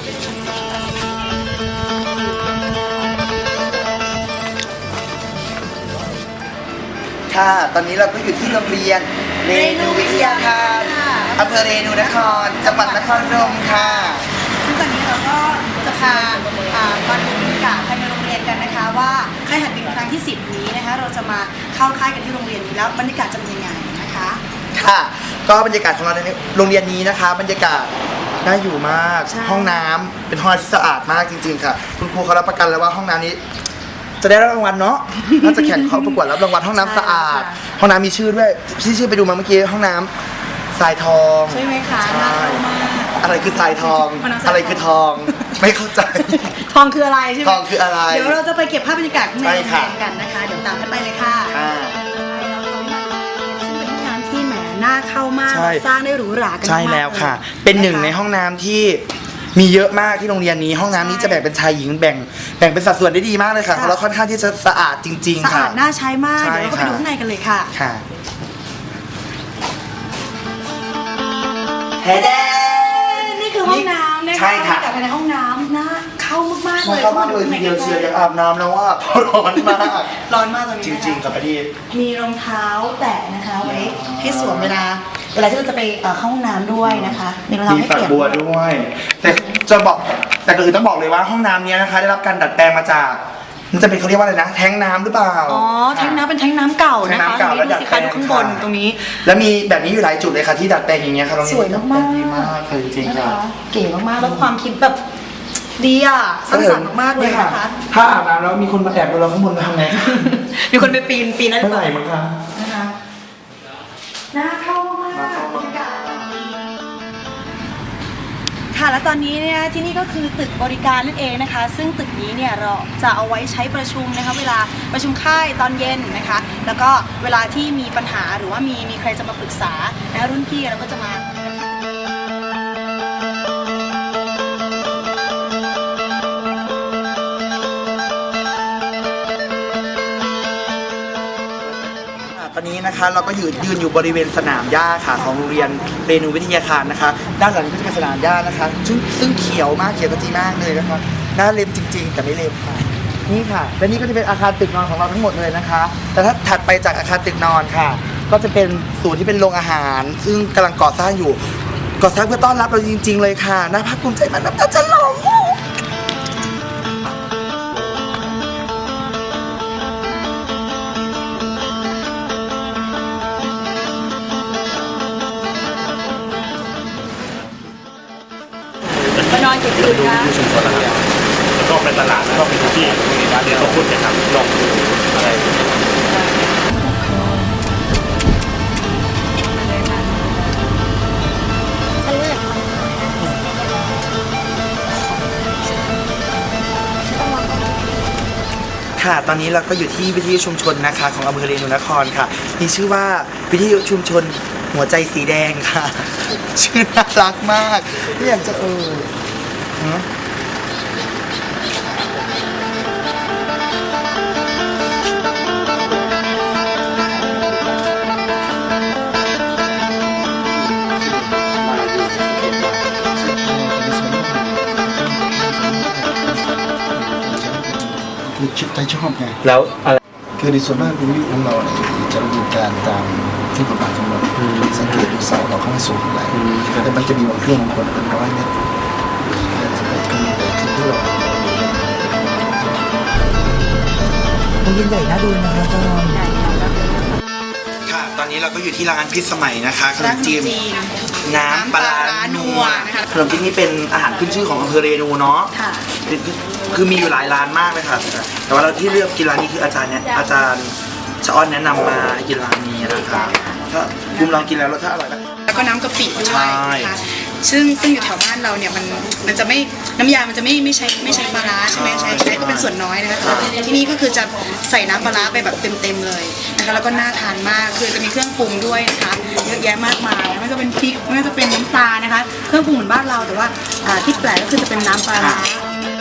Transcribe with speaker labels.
Speaker 1: ค่ะตอนนี้เราก็อยู่ที่โรงเรียนเรนูวิทยาคารอำเภอเรนูนครจังหวัดนครพนมค่ะ
Speaker 2: ซึ่งตอนนี้เราก็จะพามาดูบรรยากาศภายในโรงเรียนกันนะคะว่าค่ายหัดบินครั้งที่10นี้นะคะเราจะมาเข้าค่ายกันที่โรงเรียนนี้แล้วบรรยากาศจะเป็นยังไงนะคะ
Speaker 1: ค่ะก็บรรยากาศของเราในโรงเรียนนี้นะคะบรรยากาศน่าอยู่มากห้องน้ำเป็นห้องที่สะอาดมากจริงๆค่ะคุณครูเขารับประกันแล้วว่าห้องน้ำนี้จะได้รับรางวัลเนาะน่าจะแข่งเขาประกวดรับรางวัลห้องน้ำสะอาดห้องน้ำมีชื่อด้วยชื่อไปดูมาเมื่อกี้ห้องน้ำทรายทอง
Speaker 2: ใช่ไหมคะน่าเข้ามาก
Speaker 1: อะไรคือทรายทองอะไรคือทองไม่เข้าใจ
Speaker 2: ทองคืออะไรใช่ไหม
Speaker 1: ทองคืออะไร
Speaker 2: เดี๋ยวเราจะไปเก็บภาพบรรยากาศในโรงเรียนกันนะคะเดี๋ยวตามกันไปเลยค่ะซึ่งเป็นห้องน้ำที่แหมน่าเข้ามากสร้างได้หรูหรากันมาก
Speaker 1: ใช่แล้วค่ะเป็นหนึ่งในห้องน้ำที่มีเยอะมากที่โรงเรียนนี้ห้องน้ำนี้จะแบ่งเป็นชายหญิงแบ่งเป็นสัดส่วนได้ดีมากเลยค่ะแล้วค่อนข้างที่จะสะอาดจริงๆค่ะ
Speaker 2: สะอาดน่าใช้มากเดี๋ยวเราไปดูข้างในกันเลยค่ะ
Speaker 1: ค่ะเฮ้เด้
Speaker 2: นี่คือห้องน้ำนะคะใช่ค่ะแต่ภายในห้องน้ำน่าเข้ามากๆเลย
Speaker 1: เข้ามากเลยทีเดียวเชียร์อยากอาบน้ำแล้วว่าร้อนมาก
Speaker 2: ร้อนมากตอนนี้
Speaker 1: จริงๆกับประเดี๋ยว
Speaker 2: มีรองเท้าแตะนะคะไว้ให้สวมเวลาที่เราจะไปเข้าห้องน้ำด้วยนะคะมีรองเท้าให้เปลี่ยน
Speaker 1: บัวด้วยแต่จะบอกแต่ก็คือต้องบอกเลยว่าห้องน้ำนี้นะคะได้รับการดัดแปลงมาจากมันจะเป็นเขาเรียกว่าอะไรนะแท้งน้ำหรือเปล่า
Speaker 2: อ๋อแท้งน้ำเป็นแท้งน้ำเก่านะคะแท้งน้ำเก่าแล้วดัดแปลงข้างบนตรงนี้
Speaker 1: แล้วมีแบบนี้อยู่หลายจุดเลยค่ะที่ดัดแปลงอย่างเงี้ยค่ะ
Speaker 2: สวยมาก
Speaker 1: ดีมากจริงๆค่ะ
Speaker 2: เก๋มากๆแล้วความคิดแบบดีอ่ะสร้างสรรค์มากเลยนะคะ
Speaker 1: ถ้าอาบน้ำแล้วมีคนมาแอบดูเราข้างบนทำไง
Speaker 2: มีคนไปปีนนั่น
Speaker 1: ไม่ไหวมั้งคะ
Speaker 2: นะคะน่าเข้ามากบรรยากาศค่ะและตอนนี้เนี่ยที่นี่ก็คือตึกบริการนั่นเองนะคะซึ่งตึกนี้เนี่ยเราจะเอาไว้ใช้ประชุมนะคะเวลาประชุมค่ายตอนเย็นนะคะแล้วก็เวลาที่มีปัญหาหรือว่ามีใครจะมาปรึกษานะรุ่นพี่เราก็จะมา
Speaker 1: ตอนนี้นะคะเราก็ยืนอยู่บริเวณสนามหญ้าค่ะของโรงเรียนเรนูวิทยาคารนะคะด้านหลังก็จะเป็นสนามหญ้านะคะซึ่งเขียวมากเขียวกระจีมากเลยนะคะน่าเล่นจริงๆแต่ไม่เล่นค่ะนี่ค่ะและนี่ก็จะเป็นอาคารตึกนอนของเราทั้งหมดเลยนะคะแต่ถ้าถัดไปจากอาคารตึกนอนค่ะก็จะเป็นศูนย์ที่เป็นโรงอาหารซึ่งกำลังก่อสร้างอยู่ก่อสร้างเพื่อต้อนรับเราจริงๆเลยค่ะน่าภาคภูมิใจมากน้ำตาจะไหล
Speaker 2: มานอนกี่คืนคะ
Speaker 3: ชุมชนนะครับแล้วก็ไปตลาดแล้วก็ไปที่ร้านเดียวก็พูดกันครับลองดูอะไร
Speaker 1: ค่ะตอนนี้เราก็อยู่ที่วิทยุชุมชนนะคะของอำเภอเรนูนครค่ะมีชื่อว่าวิทยุชุมชนหัวใจสีแดงค่ะชื่อน่ารักมากไม่อยากจะ
Speaker 4: คือชิดใจชอบไง
Speaker 1: แล้วอะไร
Speaker 4: คือในส่วนมากวิทยุของเราเนี่ยจะดำเนินการตามที่กฎหมายกำหนดสังเกตดูเสาเราเข้าไม่สูงเท่าไหร่แต่มันจะมีบางเครื่องบางคนเป็น100 เมตรก็มีแต่ที่เรา
Speaker 1: โรงเรียนใหญ่น่าดูนะคะจอมค่ะตอนนี้เราก็อยู่ที่ร้านพิษสมัยนะคะขนมจีนน้ำปลานัวขนมจีนนี่เป็นอาหารขึ้นชื่อของอำเภอเรนูเนาะคือมีอยู่หลายร้านมากเลยค่ะแต่ว่าเราที่เลือกกินร้านนี้คืออาจารย์ชะอ้อนแนะนำมากินร้านนี้นะคะก็คุณลองกินแล้วรสชาติอร่อยไหม
Speaker 2: แล้วก็น้ำกะปิด้วยนะคะซึ่งอยู่แถวบ้านเราเนี่ยมันจะไม่น้ำยามันจะไม่ใช้ปลาร้าใช่ไหมใช้ก็เป็นส่วนน้อยนะคะที่นี่ก็คือจะใส่น้ำปลาร้าไปแบบเต็มเลยนะคะแล้วก็น่าทานมากคือจะมีเครื่องปรุงด้วยนะคะเยอะแยะมากมายไม่ว่าจะเป็นพริกไม่ว่าจะเป็นน้ำตาลนะคะเครื่องปรุงเหมือนบ้านเราแต่ว่าที่แปลกก็คือจะเป็นน้ำปลาร้า